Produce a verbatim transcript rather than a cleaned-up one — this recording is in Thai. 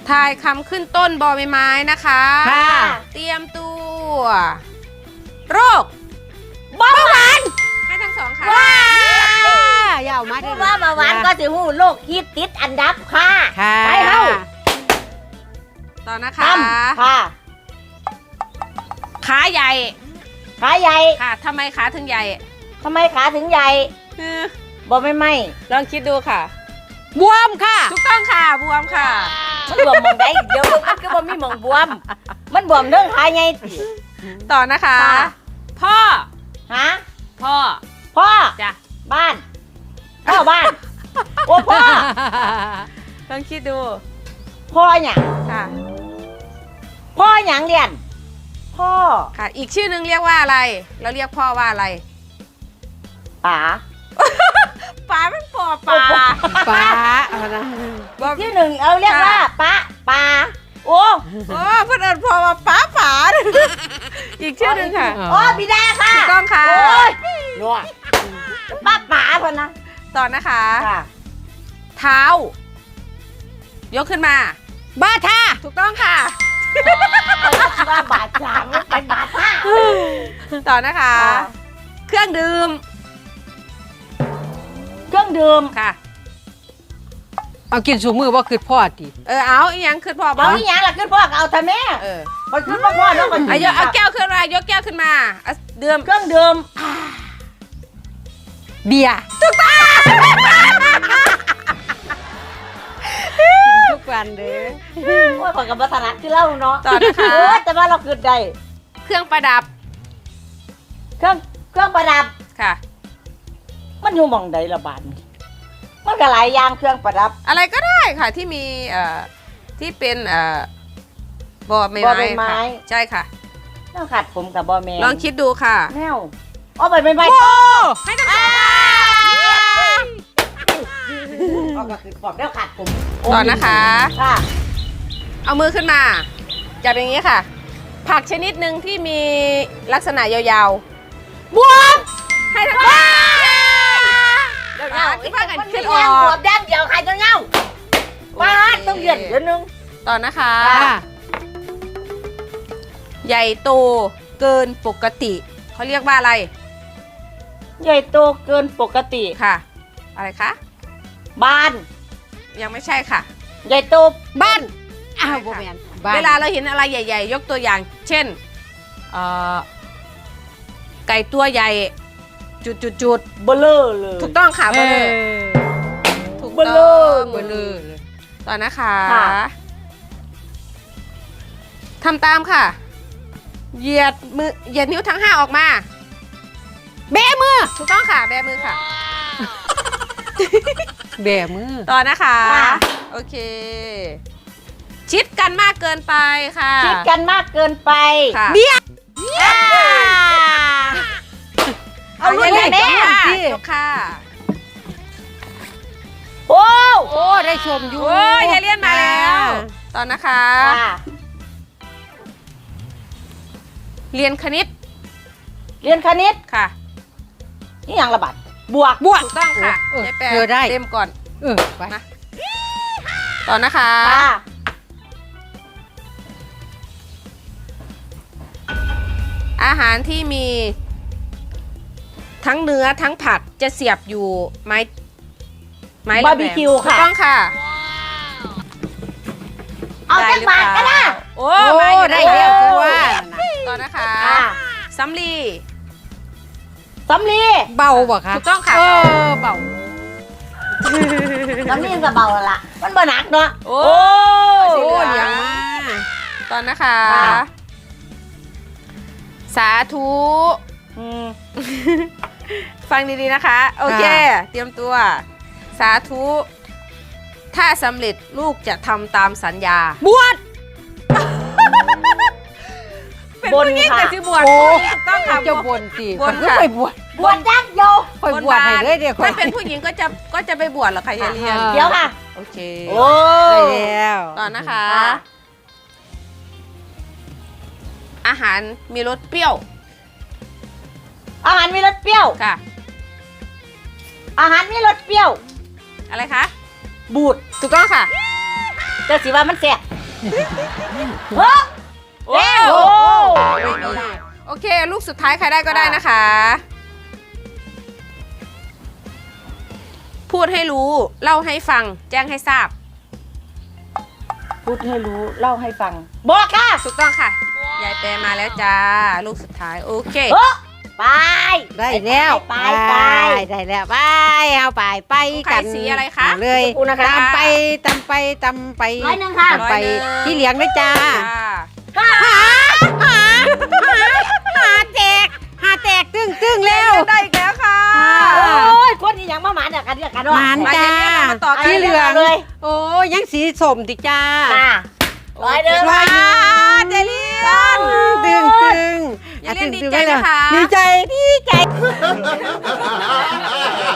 ทายคำขึ้นต้นบอใบไม้นะคะค่ะเตรียมตัวโรคเบาหวานให้ทั้งสองค่ะว้ายาวมาพูดว่าเบาหวานก็สิหูโรคฮิตติดอันดับค่ะค่ะไปเฮ้าต่อนะคะทำค่ะขาใหญ่ขาใหญ่ค่ะทำไมขาถึงใหญ่ทำไมขาถึงใหญ่เออบ่ไม่ไหมลองคิดดูค่ะบวมค่ะถูกต้องค่ะบวมค่ะมันบวมมองได้เดี๋ยวมันก็บ่มีหมองบวม มันบวมเรื่องขาใหญ่ติต่อนะคะค่ะพ่อฮะพ่อพ่อจ้ะบ้านพ่อบ้านโอ้พ่อลองคิดดูพ่อหยังค่ะพ่อหยังเรียนพ่อค่ะ อีกชื่อหนึ่งเรียกว่าอะไร เราเรียกพ่อว่าอะไรป๋าป๋าเป็นพ่อป๋าป้าเอานะบอกที่หนึ่งเอาเรียกว่าป้าป๋าโอ้โอ้เพื่อนเอิญพ่อว่าป๋าป๋าอีกชื่อหนึ่งค่ะโอ้บิดาค่ะถูกต้องค่ะโอ้ยนัวป้าป๋าพอนะต่อนะคะค่ะเท้า ยกขึ้นมาบ้าท่าถูกต้องค่ะว่าบาดจางไม่เป็นบาดท่าต่อนะคะ เครื่องดื่มเครื่องดื่มค่ะเอากินสูมือว่าคือพ่อติเออเอาอีกอย่างขึ้นพ่อบ้าเอาอีหยังล่ะขึ้นพ่อก็เอาทำแม่เออพอขึ้นพ่อพ่อแล้วก็เอายกเอาแก้วขึ้นมายกแก้วขึ้นมาเอาดื่มเครื่องดื่มเบียร์กินทุกวันเด้อโอ้ยขอยกับวัฒนะคือเล่าเนาะต่อนะคะเออแต่ว่าเราขึ้นได้เครื่องประดับเครื่องเครื่องประดับค่ะมันอยู่หมองใดละบาดนี่มันก็หลายอย่างเครื่องประดับอะไรก็ได้ค่ะที่มีเอ่อที่เป็นเอ่อบอใบบ่อใบไม้ไม้ค่ะใช่ค่ะต้องขัดผมกับบอแมนลองคิดดูค่ะแมวเอาไปไม่ไม่ให้ทั้งสองค่ะเอาก็คือบอกแล้วขัดผมต่อนะคะค่ะเอามือขึ้นมาจับอย่างนี้ค่ะ ผักชนิดหนึ่งที่มีลักษณะยาวๆบวมให้ทั้งสองเดี๋ยวอ่าเงาที่ว่ากันมันขึ้มีนอแย่งอหัวกแดงเดียวใครจะเงาป้าดต้องเย็นเดี๋ยวนึงต่อนะคะค่ะใหญ่โตเกินปกติเขาเรียกว่าอะไรใหญ่โตเกินปกติค่ะ อะไรคะบ้านยังไม่ใช่ค่ะใหญ่โตบ้านอ้าวบ่แม่นบ้านเวลาเราเห็นอะไรใหญ่ ๆ ยกตัวอย่าง เช่นเอ่อไก่ตัวใหญ่ จุดจุดจุดเบลอเลยถูกต้องค่ะเอเบลออถูกเบต้ลอองเบลอเลยต่อนะคะค่ะทำตามค่ะ เหยียดมือเหยียดนิ้วทั้งห้าออกมาแบมือถูกต้องค่ะ แบมือค่ะแบมือต่อนะคะค่ะโอเค ชิดกันมากเกินไปค่ะคิดกันมากเกินไปค่ะเบียร์เอาลูกย่แม่ยกค่ะสิยกค่ะโอ้โอ้ได้ชมอยู่โอ้ยยายเลี่ยนมาแล้วตอนนะคะค่ะเรียนคณิตเรียนคณิตค่ะนี่อย่างระบาดบวกบวกถูกต้องค่ะเออยายแปเธอได้เต็มก่อนเออไปนะ ต่อนะคะค่ะอาหารที่มี ทั้งเนื้อทั้งผัดจะเสียบอยู่ไม้ไม้แหลมๆบาร์บีคิวถูกค่ะต้องค่ะเอาจักบาทก็ได้โอ้โอ้มาอยู่ได้แล้วคือว่าต่อนะคะค่ะสำลีสำลีเบาบ่คะถูกต้องค่ะเออเบาสำลีก็เบาแล้วล่ะ มันบ่หนักเนาะโอ้โอ้สีโอ้เหลืเลี้ยอง งมาต่อนะคะค่ะสาธุอืมฟังดีๆนะคะ โอเค เตรียมตัว สาธุ ถ้าสำเร็จลูกจะทำตามสัญญาบวชเป็นผู้หญิงแต่ที่บวชโอ้ถูกต้องค่ะเจ้าบนสิบวชข้อยค่ะไปบวชบวชยักษ์โยคอยบวชให้เลยเดี๋ยวถ้าเป็นผู้หญิงก็จะก็จะไปบวชเหรอคะยายเลียนอ่าเดี๋ยวค่ะโอเคโอ้ได้แล้วต่อนะคะค่ะอาหารมีรสเปรี้ยวอาหารมีรสเปรี้ยวค่ะอาหารมีรสเปรี้ยวอะไรคะบูดถูกต้องค่ะแต่สิว่ามันแซ่บเฮ้อโอ้โอ้โอเค ลูกสุดท้ายใครได้ก็ได้นะคะ พูดให้รู้ เล่าให้ฟัง แจ้งให้ทราบพูดให้รู้เล่าให้ฟังบอกค่ะถูกต้องค่ะ ยายแปรมาแล้วจ้า ลูกสุดท้าย โอเคเฮ้อไปได้แล้วไปไปได้แล้วไปเอาไปไปกันไข่สีอะไรคะเลยขอบคุณนะคะตามไปตามไปตามไปร้อยหนึ่งค่ะตามไปร้อยหนึ่งที่เหลียงด้วยจ้าจ้าหาแตกหาแตกตึ้งตึ้งแล้วได้อีกแล้วค่ะโอ้ยคนนี้ยังมาหมาเดียวกันเดียวกันหมานมาจ้าเดี๋ยวนี้เรามาต่อกันที่เหลืองเลยโอ้ยังสีสมติจ้าค่ะร้อยเดิมร้อยหนึ่งเจเลียนตึงตึงอย่าเล่นตึงดีใจตึงนะคะดีใจดีใจ